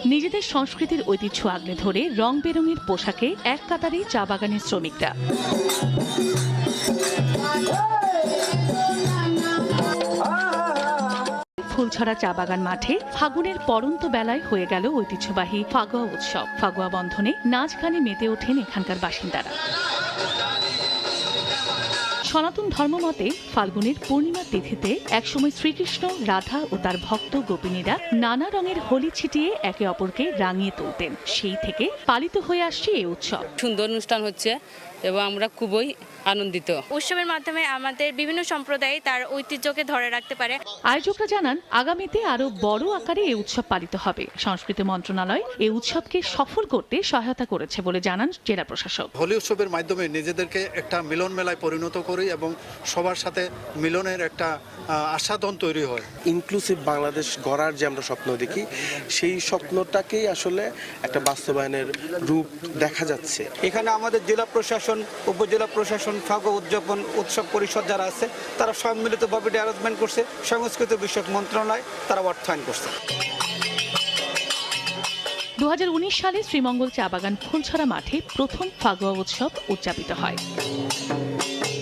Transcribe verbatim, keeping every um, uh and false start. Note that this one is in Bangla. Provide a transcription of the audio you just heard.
নিজেদের সংস্কৃতির ঐতিহ্য আগলে ধরে রং বেরঙের পোশাকে এক কাতারে চা বাগানের শ্রমিকরা। ফুলছড়া চা বাগান মাঠে ফাগুনের পড়ন্ত বেলায় হয়ে গেল ঐতিহ্যবাহী ফাগুয়া উৎসব। ফাগুয়া বন্ধনে নাচ গানে মেতে ওঠেন এখানকার বাসিন্দারা। সনাতন ধর্মমতে ফাল্গুনের পূর্ণিমা তিথিতে একসময় শ্রীকৃষ্ণ, রাধা ও তার ভক্ত গোপিনীরা নানা রঙের হোলি ছিটিয়ে একে অপরকে রাঙিয়ে তুলতেন। সেই থেকে পালিত হয়ে আসছে এই উৎসব। সুন্দর অনুষ্ঠান হচ্ছে এবং আমরা খুবই আনন্দিত। উৎসবের মাধ্যমে আমাদের বিভিন্ন সম্প্রদায় তার ঐতিহ্যকে ধরে রাখতে পারে। আয়োজকরা জানান, আগামীতে আরো বড় আকারে এই উৎসব পালিত হবে। সংস্কৃতি মন্ত্রণালয় এই উৎসবকে সফল করতে সহায়তা করেছে বলে জানান জেলা প্রশাসক। হোলি উৎসবের মাধ্যমে নিজেদেরকে একটা মিলন মেলায় পরিণত করি এবং সবার সাথে মিলনের একটা আস্বাদন তৈরি হয়। ইনক্লুসিভ বাংলাদেশ গড়ার যে আমরা স্বপ্ন দেখি, সেই স্বপ্নটাকেই আসলে একটা বাস্তবায়নের রূপ দেখা যাচ্ছে। এখানে আমাদের জেলা প্রশাসন, উপজেলা প্রশাসন, ফাগুয়া উদযাপন উৎসব পরিষদ যারা আছে তারা সম্মিলিতভাবে অ্যারেঞ্জমেন্ট করছে। সংস্কৃতি বিষয়ক মন্ত্রণালয় তারা অর্থায়ন করছে। দু হাজার উনিশ সালে শ্রীমঙ্গল চা বাগান ফুলছড়া মাঠে প্রথম ফাগুয়া উৎসব উদযাপিত হয়।